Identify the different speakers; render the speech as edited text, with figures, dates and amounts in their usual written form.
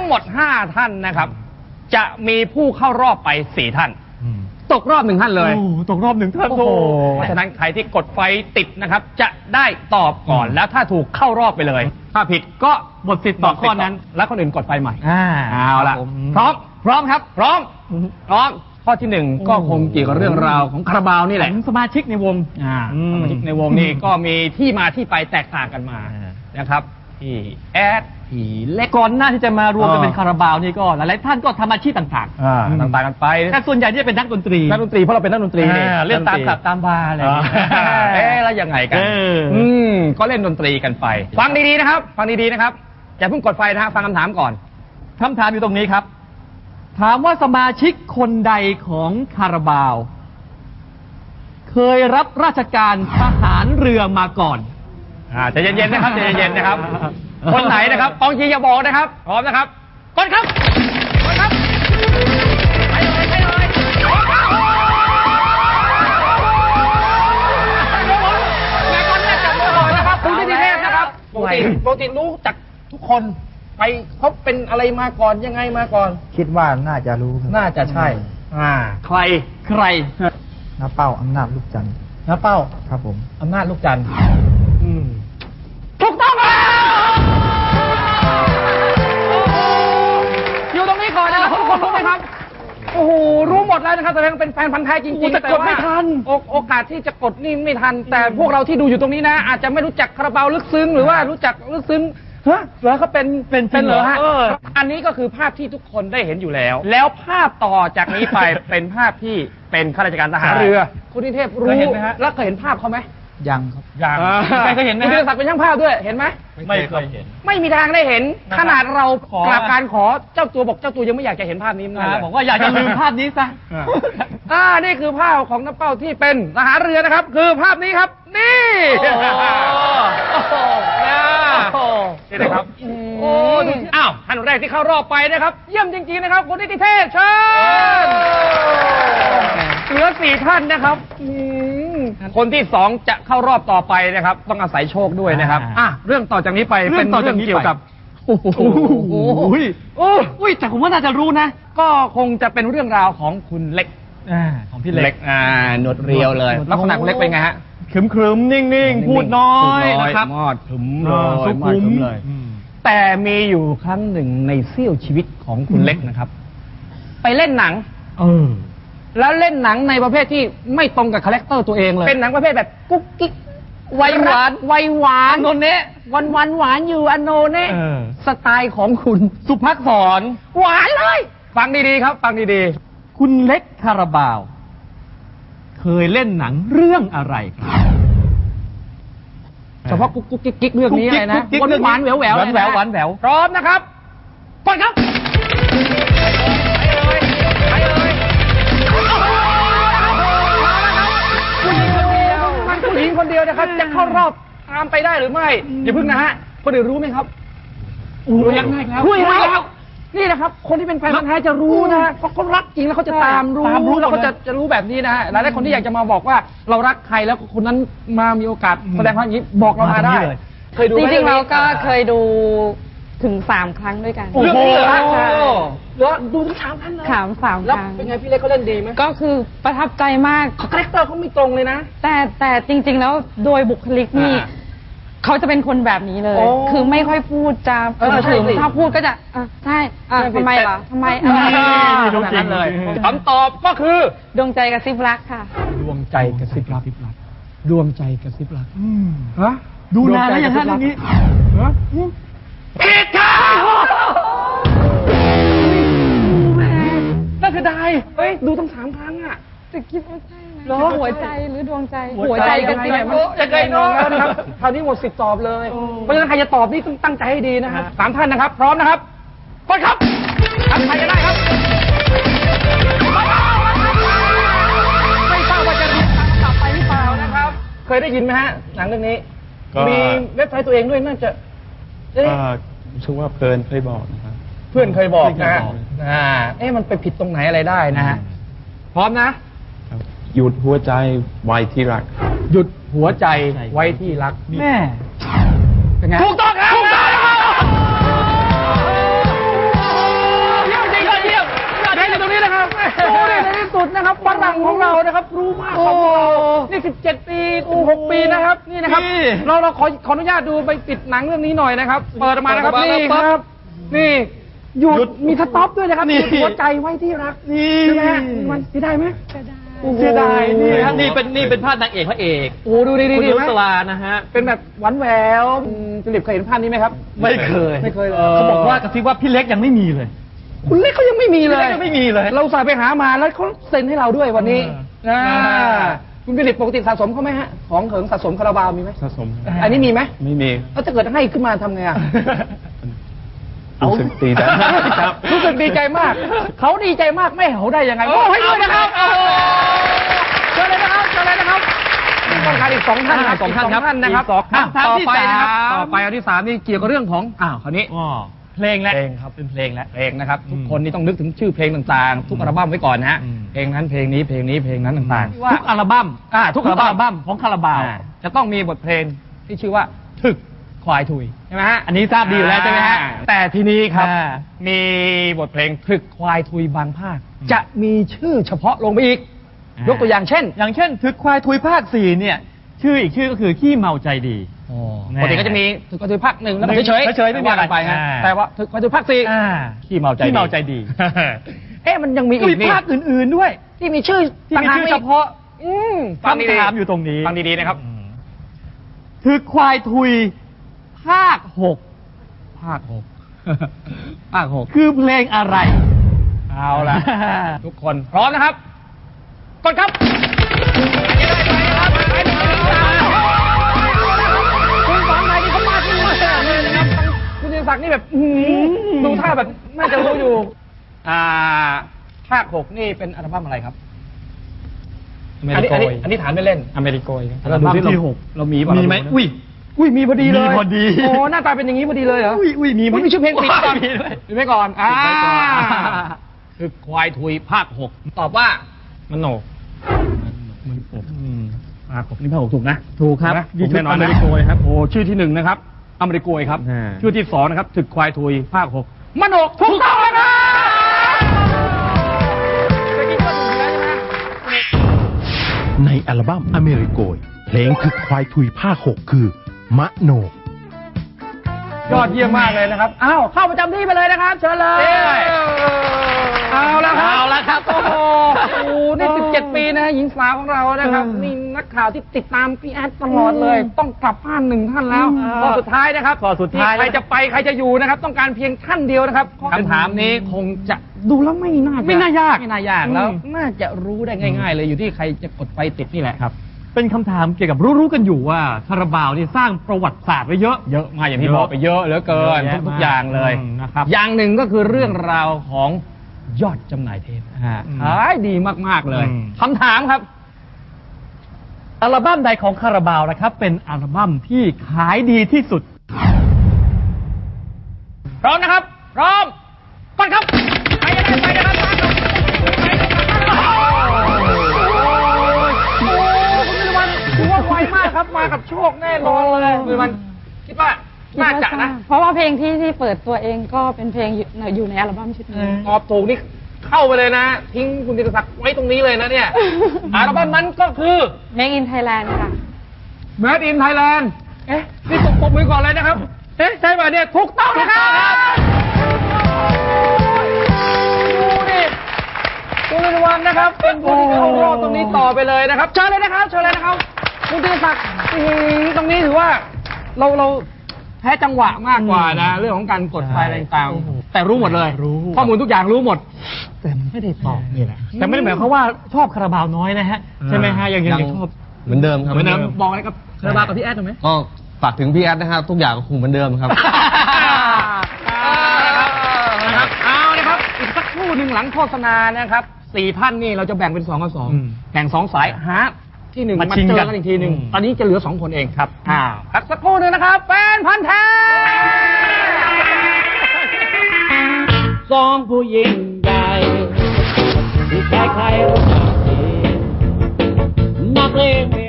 Speaker 1: หมด5ท่านนะครับจะมีผู้เข้ารอบไป4ท่านตกรอบ1ท่านเลย
Speaker 2: ตกรอบ1ท่าน
Speaker 1: เพราะฉะนั้นใครที่กดไฟติดนะครับจะได้ตอบก่อนแล้วถ้าถูกเข้ารอบไปเลยถ้าผิดก็หมดสิทธิ์ตอบข้อนั้นแล้วคนอื่นกดไฟใหม่เอาละพร้อมครับพร้อมข้อที่1ก็คงเกี่ยวกับเรื่องราวของคาราบาวนี่แหละสมาชิกในวงสมาชิกในวงนี่ก็มีที่มาที่ไปแตกต่างกันมานะครับพี่แอดพี่เล็กก่อนหน้าที่จะมารวมกันเป็นคาราบาวนี่ก็หลายๆท่านก็ทำอาชีพต่างๆกันไปแต่ส่วนใหญ่ที่เป็นนักดนตรีเพราะเราเป็นนักดนตรีเล่นตามคลับตามบาร์อะไรแล้วยังไงกันก็เล่นดนตรีกันไปฟังดีๆนะครับอย่าเพิ่งกดไฟนะฮะฟังคำถามก่อนคำถามอยู่ตรงนี้ครับถามว่าสมาชิกคนใดของคาราบาวเคยรับราชการทหารเรือมาก่อนใจเย็นๆนะครับใจเย็นๆนะครับคนไหนนะครับกองเชียร์อย่าบอกนะครับพร้อมนะครับกดครับไปเลยแม่คนแรกจับมือก่อนนะครับคุณที่เทพนะครับปกติรู้จักทุกคนไปเขาเป็นอะไรมาก่อนยังไงมาก่อน
Speaker 3: คิดว่าน่าจะรู้
Speaker 1: น่าจะใช่ใคร
Speaker 3: น้าเป้าอำนาจลูกจันทร์
Speaker 1: น้าเป้า
Speaker 3: ครับผม
Speaker 1: อำนาจลูกจันทร์ถูกต้องแล้วอยู่ตรงนี้ก่อนนะครับทุกคนรู้ไหมครับโอ้โหรู้หมดแล้วนะครับแต่ยังเป็นแฟนพันธุ์แท้จริงๆแต่กดไม่ทันโอกาสที่จะกดนี่ไม่ทันแต่พวกเราที่ดูอยู่ตรงนี้นะอาจจะไม่รู้จักคาราบาวลึกซึ้งหรือว่ารู้จักลึกซึ้งเหรอเขาเป็นเหรอฮะอันนี้ก็คือภาพที่ทุกคนได้เห็นอยู่แล้วภาพต่อจากนี้ไปเป็นภาพที่เป็นข้าราชการทหารเรือคุณนิเทพรู้แล้วเคยเห็นภาพเขาไหม
Speaker 3: ยังครับ
Speaker 1: ใครเคยเห็นไหมคุณธีรศักดิ์เป็นช่างภาพด้วยเห็นไหม
Speaker 2: ไม่เคยเห็น
Speaker 1: ไม่มีทางได้เห็นขนาดเรากราบการขอเจ้าตัวบอกเจ้าตัวยังไม่อยากจะเห็นภาพนี้เลยบอกว่าอยากจะลืมภาพนี้ซะนี่คือภาพของน้าเป้าที่เป็นทหารเรือนะครับคือภาพนี้ครับนี่นี่นะครับอ้าวท่านแรกที่เข้ารอบไปนะครับเยี่ยมจริงๆนะครับคุณนิติเทพเชิญเหลือ4ท่านนะครับคนที่2จะเข้ารอบต่อไปนะครับต้องอาศัยโชคด้วยนะครับเรื่องต่อจากนี้ไปเป็นเรื่องเกี่ยวกับแต่ผมว่าน่าจะรู้นะก็คงจะเป็นเรื่องราวของคุณเล็กของพี่เล็กหนวดเรียวเลยลักษณะคุณเล็กเป็นไงฮะ
Speaker 2: ขรึมๆนิ่งๆพูดน้อยนะครับ
Speaker 1: มอดขึมเลยแต่มีอยู่ครั้งหนึ่งในเสี้ยวชีวิตของคุณเล็กนะครับไปเล่นหนังแล้วเล่นหนังในประเภทที่ไม่ตรงกับคาแรคเตอร์ตัวเองเลยเป็นหนังประเภทแบบกุ๊กกิ๊กวัยหวานโนเนะวันหวานอยู่อโนเนะสไตล์ของคุณสุภักษรหวานเลยฟังดีๆครับฟังดีๆคุณเล็กคาราบาวเคยเล่นหนังเรื่องอะไรครับเฉพาะกุ๊กกิ๊กเรื่องนี้เลยนะหวานแหววพร้อมนะครับกดครับผู้หญิงคนเดียวนะครับจะเข้ารอบตามไปได้หรือไม่อย่าพึ่งนะฮะคนอื่นรู้ไหมครับรู้ยังไงครับรู้แล้วนี่นะครับคนที่เป็นแฟนพันธุ์แท้จะรู้นะเพราะเขารักจริงแล้วเขาจะตามรู้แล้วเขาจะรู้แบบนี้นะฮะหลายคนที่อยากจะมาบอกว่าเรารักใครแล้วคนนั้นมามีโอกาสแสดงความอย่างนี้บอกเรามาได้
Speaker 4: เคยดูจริงๆเราก็เคยดูถึง3 ครั้งด้วยกัน
Speaker 1: เรื่องนี้เหรอแล้วดูถึง3 ครั้งเลย
Speaker 4: 3 ครั้ง
Speaker 1: แล้วเป็นไงพี่เล็กเขาเล่นดีไหม
Speaker 4: ก็คือประทับใจมาก
Speaker 1: คาแรคเตอร์เขาไม่ตรงเลยนะ
Speaker 4: แต่จริงๆแล้วโดยบุคลิกนี่เขาจะเป็นคนแบบนี้เลยคือไม่ค่อยพูดจะถ้าพูดก็จะใช่ทำไมล่ะทำไม
Speaker 1: ดูจริงเลยคำตอบก็คือ
Speaker 4: ดวงใจกระซิบรักค่ะ
Speaker 1: ดวงใจกระซิบรักดวงใจกระซิบรัก
Speaker 2: ดูนานแล้วอย่างนั้นเรื่องนี้
Speaker 1: ผิดค่ะน่าเสียดายดูตั้ง3 ครั้งอ่ะ
Speaker 4: แต่คิดว่าใช่นะหัวใจหรือดวงใจหัวใจกันสิ
Speaker 1: จะไกลน้องนะครับคราวนี้หมดสิทธิ์ตอบเลยเพราะฉะนั้นใครจะตอบนี่ต้องตั้งใจให้ดีนะครับ3 ท่านนะครับพร้อมนะครับกดครับใครจะได้ครับไม่ทราบว่าจะรู้ทางกลับไปหรือเปล่านะครับเคยได้ยินไหมฮะหนังเรื่องนี้มีเว็บไซต์ตัวเองด้วยน่าจะ
Speaker 2: ชื่อว่าเพื่อนเคยบอกนะครับ
Speaker 1: เพื่อนเคยบอกนะมันไปผิดตรงไหนอะไรได้นะฮะพร้อมนะ
Speaker 2: หยุดหัวใจไว้ที่รัก
Speaker 1: หยุดหัวใจไว้ที่รักแม่เป็นไงถูกต้องครับถูกต้องโอ้ยในที่สุดนะครับฝรั่งของเรานะครับรู้มากกว่าพวกเรานี่17 ปี6 ปีนะครับนี่นะครับเราขออนุญาตดูไปปิดหนังเรื่องนี้หน่อยนะครับเปิดออกมานะครับนี่ครับนี่หยุดมีสต็อปด้วยนะครับหยุดหัวใจไว้ที่รักนี่ใช่ไหมฮะมันเสียดายไหมเสียดายนี่ครับ
Speaker 5: นี่เป็นภาพนางเอกพระเอก
Speaker 1: โอ้ดูดี
Speaker 5: คุณ
Speaker 1: ดี
Speaker 5: นุ
Speaker 1: ไหม
Speaker 5: สลานะฮะ
Speaker 1: เป็นแบบหวานแหววจุลิปเคยเห็นภาพนี้ไหมครับ
Speaker 5: ไม่เคย
Speaker 1: ไม่เคยเลย
Speaker 5: เขาบอกว่ากระซิบว่าพี่เล็กยังไม่มีเลย
Speaker 1: คุณเล็กเขายังไม่มีเลย
Speaker 5: พี่เล็กยังไม่มีเลย
Speaker 1: เราสายไปหามาแล้วเขาเซ็นให้เราด้วยวันนี้คุณจุลิปปกติสะสมเขาไหมฮะของเขิงสะสมคาราบาวมีไหม
Speaker 2: สะสม
Speaker 1: อันนี้มีไหม
Speaker 2: ไม่มี
Speaker 1: แล้วถ้าเกิดให้ขึ้นมาทำไงอ่ะ
Speaker 2: รู้สึกดีใจครับ
Speaker 1: รู้สึกดีใจมาก เขาดีใจมากไม่เขาได้ยังไงโอ้ให้ด้วยนะครับเชิญเลยนะครับเชิญเลยนะครับนี่ต้องการอีก2 ท่าน2 ท่านนะครับ
Speaker 5: ท่านที่
Speaker 1: ต่อไปนะครับ
Speaker 5: 3
Speaker 1: ต่อไปอันที่ 3นี่เกี่ยวกับเรื่องของคราวนี้
Speaker 5: เพลงแล้ว
Speaker 2: เพลงครับ
Speaker 5: เป็นเพลงแล้ว
Speaker 1: เพลงนะครับทุกคนนี่ต้องนึกถึงชื่อเพลงต่างๆ ทุกอัลบั้มไว้ก่อนนะฮะ
Speaker 5: อืม
Speaker 1: เพลงนั้นเพลงนี้เพลงนี้เพลงนั้นต่างๆ
Speaker 5: ทุกอัลบั้ม
Speaker 1: ทุกอัลบั้ม
Speaker 5: ของคาราบาว
Speaker 1: จะต้องมีบทเพลงที่ชื่อว่าถึกควายถุยใช่ไหมฮะ
Speaker 5: อันนี้ทราบดีอยู่แล้วใช่ไหมฮะ
Speaker 1: แต่ทีนี้ครับ
Speaker 5: อ่า
Speaker 1: มีบทเพลงถึกควายถุยบางภาค จะมีชื่อเฉพาะลงไปอีก ยกตัวอย่างเช่น
Speaker 5: อย่างเช่นถึกควายทุยภาค 4เนี่ยชื่ออีกชื่อก็คือขี้เมาใจดี
Speaker 1: ปกติก็จะมีถึกควายถุยภาค 1แล้วก็เฉยๆ
Speaker 5: เฉยๆไม่มีอะไร
Speaker 1: ว่ากันไปฮะ
Speaker 5: อ่า
Speaker 1: แต่ว่าถึกควายถุยภาค 4ขี้เมาใจดี
Speaker 5: ขี้เมาใจดี
Speaker 1: มันยังมีอี
Speaker 5: มี
Speaker 1: กนี่
Speaker 5: ภาคอื่นๆด้วย
Speaker 1: ที่มีชื่อ
Speaker 5: ที่มีชื่อเฉพาะ
Speaker 1: ฟังดี
Speaker 5: คำถามอยู่ตรงนี้
Speaker 1: ฟังดีๆนะครับ
Speaker 5: ถึกควายทุยภาค 6
Speaker 1: ภาค 6 ภาค 6
Speaker 5: คือเพลงอะไร
Speaker 1: เอาล่ะ ทุกคนพร้อมนะครับกดครับคุณสอนไหนที่เขามาที่นี่เลยนะครับคุณธีรศักดิ์นี่แบบดูท่าแบบน่าจะรู้อยู่ภาค 6 นี่เป็นอัลบั้มอะไรครับ อันนี้ถามไม่เล่น
Speaker 2: อเมริโกยครับ
Speaker 1: เราดูที่
Speaker 5: ที่
Speaker 1: เรามีป่ะ
Speaker 5: มีไหม
Speaker 1: เราดูนะอุ้ยมีพอดีเลย
Speaker 5: มีพอดี
Speaker 1: โอ้หน้าตาเป็นอย่างนี้พอดีเลยเหรอ
Speaker 5: อุ้ยมีไหม
Speaker 1: มีชื่อเพลงปิดก่อน
Speaker 5: มีด้วย
Speaker 1: ปิดไว้ก่อน
Speaker 5: ปิดไว้ก่อน
Speaker 1: คือควายทุยภาค 6 ตอบว่า
Speaker 2: มันโหนก
Speaker 1: ภาค 6 นี่ภาค 6 ถูกนะ
Speaker 5: ถูกครับ
Speaker 1: นะถูกแน่นอน
Speaker 5: อเม
Speaker 1: นะ
Speaker 5: ริโกยครับ
Speaker 1: โอ้ชื่อที่ 1 นะครับ อเมริโกยครับ
Speaker 2: อ่า
Speaker 1: ชื่อที่ 2 นะครับถึกควายทุยภาค 6 มโนกถูกต้องนะครับเมื่อกี้ก็ถูกแล้วใช่ไหม
Speaker 6: ในอัลบั้มอเมริโกยเพลงคือควายทุยภาค 6 คือ มะโนก
Speaker 1: ยอดเยี่ยมมากเลยนะครับ อ้าวเข้าประจำที่ไปเลยนะครับ เชิญเลย เอาละครับ
Speaker 5: เอาละครับ
Speaker 1: โอ้โหนี่17 ปีนะฮะหญิงสาวของเรานะครับ นี่นักข่าวที่ติดตามพี่แอดตลอดเลย ต้องกลับบ้าน1 ท่านแล้วข้อสุดท้ายนะครับ
Speaker 5: ข้อสุดท้าย
Speaker 1: ที่ใครจะไปใครจะอยู่นะครับ ต้องการเพียงท่านเดียวนะครับคำถามนี้คงจะดูแล้วไม่น่าไม่น่ายากแล้ว น่าจะรู้ได้ง่าย ๆ เลยอยู่ที่ใครจะกดไฟติดนี่แหละครับ
Speaker 5: เป็นคำถามเกี่ยวกับรู้ๆกันอยู่ว่าคาราบาวนี่สร้างประวัติศาสตร์ไว้เยอะ
Speaker 1: เยอะมากอย่างที่บอกไปเยอะเหลือเกิน
Speaker 5: เยอะแยะ
Speaker 1: ทุกๆอย่างเลย
Speaker 5: นะครับ
Speaker 1: อย่างหนึ่งก็คือเรื่องราวของยอดจำหน่ายเทปขายดีมากๆเลยคำถามครับ
Speaker 5: อัลบั้มใดของคาราบาวนะครับ เป็นอัลบั้มที่ขายดีที่สุด
Speaker 1: พร้อมนะครับ พร้อมกดครับใครจะได้ไปนะครับคุณวิวันถือว่าไวมากครับมากับโชคแน่นอนเลยคุณวิวันคิดว่าน่าจะนะ
Speaker 4: เพราะว่าเพลงที่เปิดตัวเองก็เป็นเพลงอยู่ในอัลบั้มชุดนี้
Speaker 1: ตอบถูกนี่เข้าไปเลยนะ ทิ้งคุณธีรศักดิ์ไว้ตรงนี้เลยนะเนี่ยอัลบั้มนั้นก็คือ
Speaker 4: Make in Thailand ค่ะ
Speaker 1: Made in Thailand นี่ปรบมือก่อนเลยนะครับ ใช่ป่ะเนี่ยถูกต้องนะครับดูดิคุณวิวันนะครับ เป็นผู้ที่เข้ารอบตรงนี้ต่อไปเลยนะครับ เชิญเลยนะครับ เชิญเลยนะครับ คุณธีรศักดิ์ตรงนี้ถือว่าเราแพ้จังหวะมากกว่านะ เรื่องของการกดไฟอะไรต่างๆแต่รู้หมดเลย ข้อมูลทุกอย่างรู้หมด แต่ไม่ได้ตอบนี่แหละ
Speaker 5: แต่ไม่ได้หมายความว่าชอบคาราบาวน้อยนะฮะ ใช่ไหมฮะยังชอบ
Speaker 2: เหมือนเดิมครับ
Speaker 1: เหมือนเดิมบอกอะไรกับคาราบาวกับพี่แอดถูกไหม
Speaker 2: ก็ฝากถึงพี่แอดนะครับทุกอย่างคงเหมือนเดิมครับ
Speaker 1: นะครับเอานะครับอีกสักครู่หนึ่งหลังโฆษณานะครับ4 ท่านนี่เราจะแบ่งเป็น2 กับ 2แบ่ง2 สายหาที่1
Speaker 5: มา
Speaker 1: มา
Speaker 5: ชิง
Speaker 1: เจอ
Speaker 5: กัน
Speaker 1: กันอีกทีหนึ่ง
Speaker 5: อืม
Speaker 1: ตอนนี้จะเหลือ2 คนเองครับพักสักครู่หนึ่งนะครับแฟนพันธ์แท้
Speaker 7: สองผู้ยิ่งใหญ่ที่ใครๆรู้จักดีนักเลง